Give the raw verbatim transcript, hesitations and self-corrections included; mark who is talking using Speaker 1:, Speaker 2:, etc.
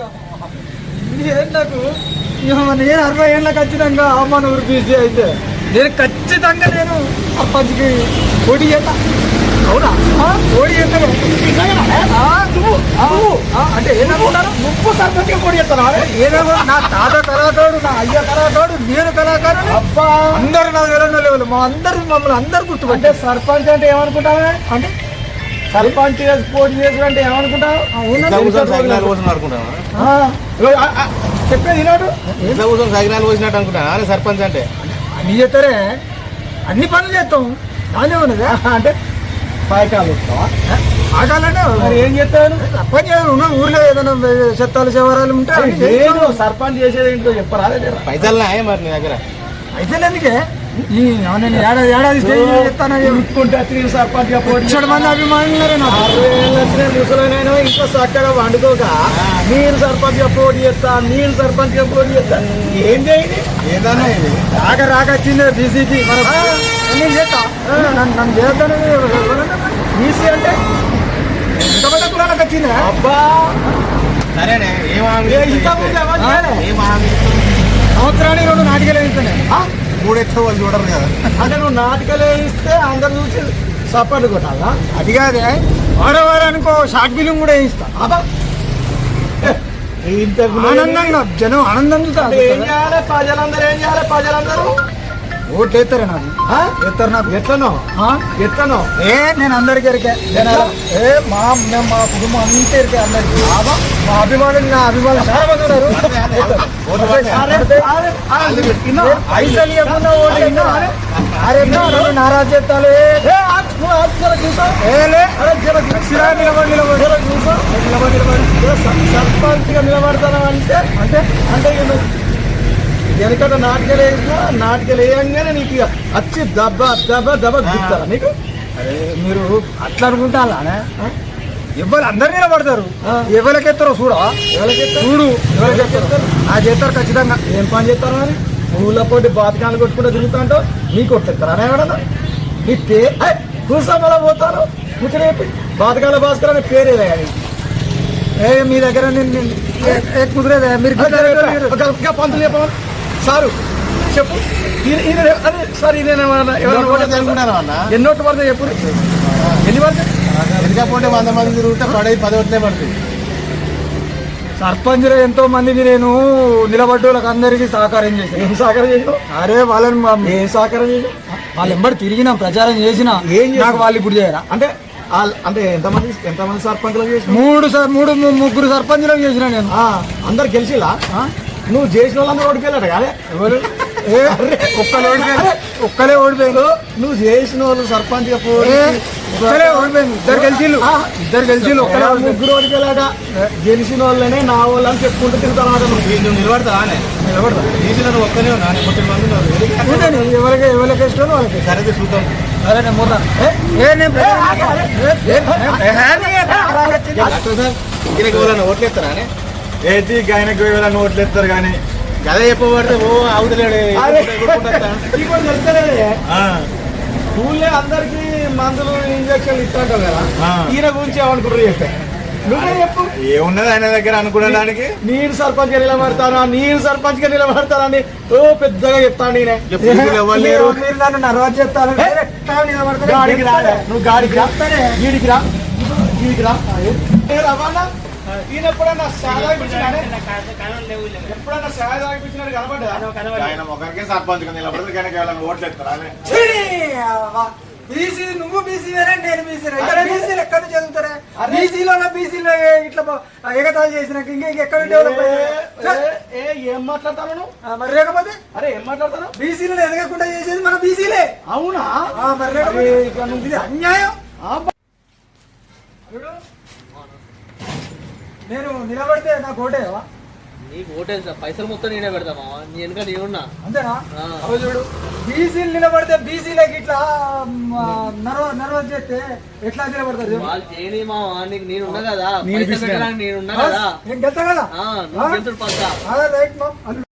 Speaker 1: ఏళ్ళకు నేను అరవై ఏళ్ళ ఖచ్చితంగా అమ్మను ఊరు బీసీ అయితే నేను ఖచ్చితంగా నేను సర్పంచ్కి పోటీ చేస్తా. అవునా? పోటీ చేస్తాను. అంటే ఏదనుకుంటారు? నువ్వు సర్పంచ్గా పోటీ చేస్తాను. ఏదో నా తాత కళాకారుడు, నా అయ్య కళాకారుడు, నేను కళాకారుడు. అబ్బా అందరు నా వేరే లేవలు మా అందరు మమ్మల్ని అందరు గుర్తుపట్టే. సర్పంచ్ అంటే ఏమనుకుంటావా? అంటే సర్పంచ్ పోటీ చేసిన అంటే ఏమనుకుంటావు? చెప్పేది ఈనాడు
Speaker 2: ఇంట్లో కూర్చొని సగినాలు పోసినట్టు అనుకుంటా సర్పంచ్ అంటే.
Speaker 1: అన్ని చేస్తారే, అన్ని పనులు చేస్తాం. బాగానే ఉన్నదా? అంటే పాయకాలు వస్తావా? ఆగాలంటే మరి ఏం చేస్తాను? సర్పంచ్ ఉన్న ఊర్లో ఏదైనా చెత్తాలు శివరాలు ఉంటే సర్పంచ్ చేసేది ఏంటో చెప్పరా?
Speaker 2: పైసలు మరి నీ దగ్గర
Speaker 1: పైసలు ఎందుకే? నేను ఏడాది ఏడాది చెప్తాను. సర్పంచ్ మంది అభిమానులు ముసలైనా ఇంకా చక్కగా వండుకోక నేను సర్పంచ్ గా పోటీ చేస్తా, నేను సర్పంచ్ గా పోటీ చేస్తా. ఏం చేయండి
Speaker 2: ఏదన్నా
Speaker 1: రాక రాక వచ్చింది బీసీకి. నేను చేస్తా, నన్ను చేస్తాను. బీసీ అంటే ఎంతమంది కులాలకు వచ్చిందా? అబ్బా
Speaker 2: సరేనే.
Speaker 1: సంవత్సరానికి రెండు నాటికలు వేయిస్తానే.
Speaker 2: మూడు ఎత్తు వాళ్ళు చూడరు కదా.
Speaker 1: అంటే నువ్వు నాటికలు వేయిస్తే అందరు చూసి సపోర్ట్ కొట్టాలా? అది కాదే, వారవారానికో షార్ట్ ఫిలిం కూడా వేయిస్తా. ఆనందంగా జనం ఆనందం చూస్తారు. ఏం చేయాలి ప్రజలందరూ? ఏం చేయాలి ప్రజలందరూ? ఓట్లు వేస్తారే నాకు. ఎత్తారు నాకు. ఎట్లనో ఎట్లనో ఏ నేను అందరికి ఎరికే. ఏ మా మేము మా కుటుంబం అంతా ఎరికే అందరికి. మా అభిమానులు నా అభిమానులు చాలా మంది ఉన్నారు. పైసలు ఇవ్వకుండా ఓట్లు అరే నారాజు చేస్తాను. నిలబడి నిలబడి సర్పంచ్ గా నిలబడతాను అంటే అంటే అంటే వెనకట నాటికలు వేసినా నాటికలు వేయంగానే నీకు వచ్చి దెబ్బ దెబ్బ దెబ్బ దిగుతారా నీకు? అరే మీరు అట్లా అనుకుంటారా? ఎవరు అందరు నిలబడతారు. ఎవరికెత్తారో చూడ ఎవరికెత్తారు చూడు ఎవరికెత్తారు ఆ చేస్తారు ఖచ్చితంగా. ఏం పని చేస్తారు మరి? ఊళ్ళో పోటీ బాతకాలు కొట్టుకుంటూ తిరుగుతా నీకు కొట్టేస్తారా? అని ఎవడన్నా నీ పే కూర్చోమలా పోతారు. కూర్చొని చెప్పి బాతకాల భాస్కర్ అనే పేరేదే కానీ ఏ మీ దగ్గర కుదిరేదా? మీరు పంతులు చెప్పమని సారు చెప్పు. అదే సార్ ఇదేనా ఎన్ని ఓట్లు పడతాయి చెప్పు. ఎన్ని పడతాయి?
Speaker 2: ఎందుకపోతే వంద మంది తిరుగుతే పడే పది ఓట్లే పడుతుంది.
Speaker 1: సర్పంచ్లో ఎంతో మందికి నేను నిలబడ్డోళ్ళకి అందరికీ సహకారం చేశాను. ఏం సహకారం చేసినావు? అరే వాళ్ళని ఏం సహకారం చేసాం? వాళ్ళు ఎంబడి తిరిగినాం, ప్రచారం చేసినా. ఏం నాకు వాళ్ళు ఇప్పుడు చేయరా? అంటే అంటే ఎంతమంది ఎంతమంది సర్పంచ్లు చేసిన? మూడు సార్ మూడు ముగ్గురు సర్పంచ్లకు చేసిన నేను. అందరు గెలిచిలా? నువ్వు చేసిన వాళ్ళందరూ ఓడిపోయాడు కానీ ఎవరు ఒక్కలే ఓడిపోయారు. ఒక్కలే ఓడిపోయారు. నువ్వు చేసిన వాళ్ళు సర్పంచ్ గా ఒక్కలే ఓడిపోయింది. ఇద్దరు గెలిచిళ్ళు ఇద్దరు గెలిచిళ్ళు ఒక్కలే ముగ్గురు ఓడిపోయాట. గెలిచిన వాళ్ళనే నా వాళ్ళు అని చెప్పుకుంటూ తిరుగుతాను.
Speaker 2: నువ్వు నిలబడతా నిలబడతా గెలిచిన ఒక్కనే
Speaker 1: ఉన్నాను. ఎవరికి ఎవరికి ఇష్టం వాళ్ళకి.
Speaker 2: సరే చూద్దాం.
Speaker 1: అరే నేను పోతాను.
Speaker 2: ఓట్లు ఎత్తారా?
Speaker 1: ఏది ఆయనకు వేళ ఓట్లు ఎత్తారు కానీ
Speaker 2: గదే చెప్పబడితే ఓ అవుతలేడు.
Speaker 1: ఊళ్ళో అందరికి మందులు ఇంజక్షన్లు ఇస్తాంటావు కదా, ఈయన గురించి ఏమనుకుంటారు చెప్పే? నువ్వే చెప్పు.
Speaker 2: ఏమున్నది ఆయన దగ్గర అనుకునేదానికి?
Speaker 1: నేను సర్పంచ్ గా నిలబడతానా నేను సర్పంచ్ గా నిలబడతానని ఓ పెద్దగా చెప్తాను. నేనే మీరు నన్ను నర్వాజ్ చెప్తాను. గాడికి రా, నువ్వు గాడికి రా, గీడికి రా, గీడికి రా. రవాణా ఈయన ఎప్పుడన్నా సాదా ఎప్పుడన్నా సాదా ఇప్పించినట్టు కనబడ్డా?
Speaker 2: ఆయన ఒకరికే సర్పంచ్ గా నిలబడదు కనుక ఓట్లు ఎత్తారా?
Speaker 1: బీసీ నువ్వు బీసీ వేరే నేను బీసీ బీసీలు ఎక్కడ నుంచి చదువుతారా? బీసీలో బీసీలో ఇట్లా ఎగతాలు చేసినాక ఇంకా ఎక్కడ డెవలప్ ఏం మాట్లాడతాను మరి? లేకపోతే అరే ఏం మాట్లాడతాను? బీసీలో ఎదగకుండా చేసేది మన బీసీలే. అవునా? మరి లేకపోతే అన్యాయం. నేను నిలబడితే నాకు ఓటేవా?
Speaker 3: నీకు ఓటేస్తా, పైసలు మొత్తం నేనే పెడతామా? నీ వెనుక నేనున్నా.
Speaker 1: అంతేనా? చూడు, బీసీలు నిలబడితే బీసీలకి ఇట్లా నర్వ నర్వ చేస్తే ఎట్లా నిలబడతారు?
Speaker 3: వాళ్ళు చేయని మావా, నీకు నేనున్నా కదా, నేనున్నా కదా,
Speaker 1: నేను గెలుతా కదా.
Speaker 3: నువ్వు గెలుతుడు పక్క.
Speaker 1: రైట్ మా